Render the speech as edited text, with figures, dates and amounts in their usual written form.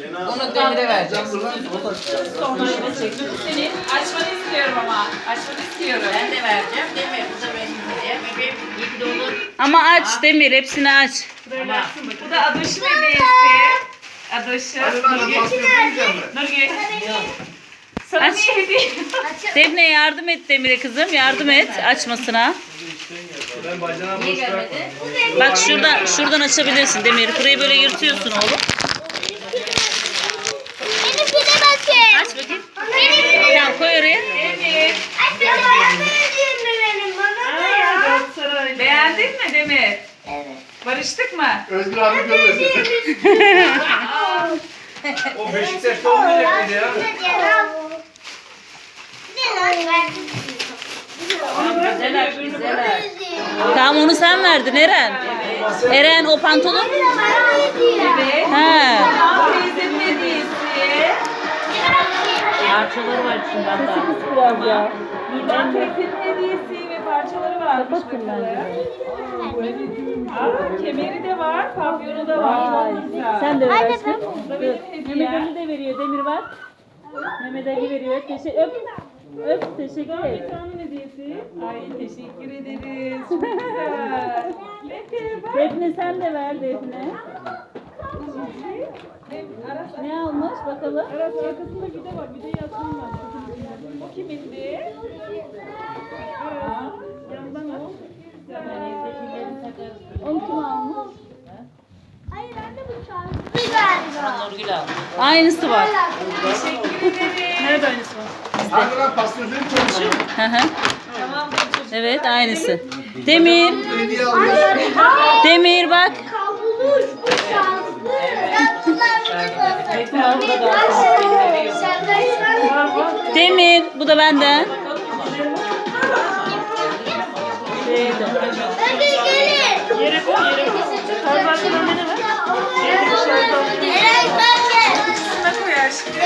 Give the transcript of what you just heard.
Onu Demir'e vereceğim. Sonra senin açmanı istiyorum ama. Açmanı istiyorum. Ben de vereceğim. Demir bu da benim diye. Bebeğim iyi ki doğdun. Ama aç Demir, hepsini aç. Bu da Adoş'un hediyesi. Adoş'un. Nurgül. Sana Aç. niye hediye? Defne yardım et Demir'e kızım, yardım et açmasına. Niye gelmedi? Bak şuradan açabilirsin Demir. Burayı böyle yırtıyorsun oğlum. Benimkine bakın. Aç bakayım. Tamam koy oraya. Demir. Ay bana verdiğin mi benim? Bana da ya. Beğendin mi Demir? Evet. Barıştık mı? Özgür abi görmesin. O Beşiktaş'ta olmayacak mıydı ya? Güzel aç, güzel aç. Tamam onu sen verdin Eren. Eren o pantolon. Evet. He. Tamam teyzemin hediyesi. Parçaları var içinde hatta. Biraz ya. Nurdan teyzemin hediyesi ve parçaları varmış bakalım. Aa, kemeri de var, pavyonu da var. Çok güzel. Sen de ver aşkım. Bu da benim hediyem. Mehmet Ali de veriyor. Demir var. Mehmet Ali veriyor. Öp. Teşekkür Bir ederim. tane hediyesi. Ay teşekkür ederiz. Çok güzel. Defne bak. Defne sen de ver Defne. Aras, Ne almış bakalım. Aras arkasında bir de var. Bir de yazım var. O kimindi? Aras. Yandan al. Onu kim almış? Hayır anne bu şanslı galiba. Nurgül aldı. Aynısı var. Teşekkür ederim. Nerede aynısı var? Arkadan pastörlerin çalışıyor. Hı hı. Tamam çocuğum. Evet aynısı. Demir. Hediye alıyor. Demir bak. Kavuluş bu şanslı. Al bu da kalsın. Şaka Demir. Bu da benden. Hadi gelin. Yere koy, yere koy. Torbanın önüne ver. Eren bak gel. Şuna koy aşkım.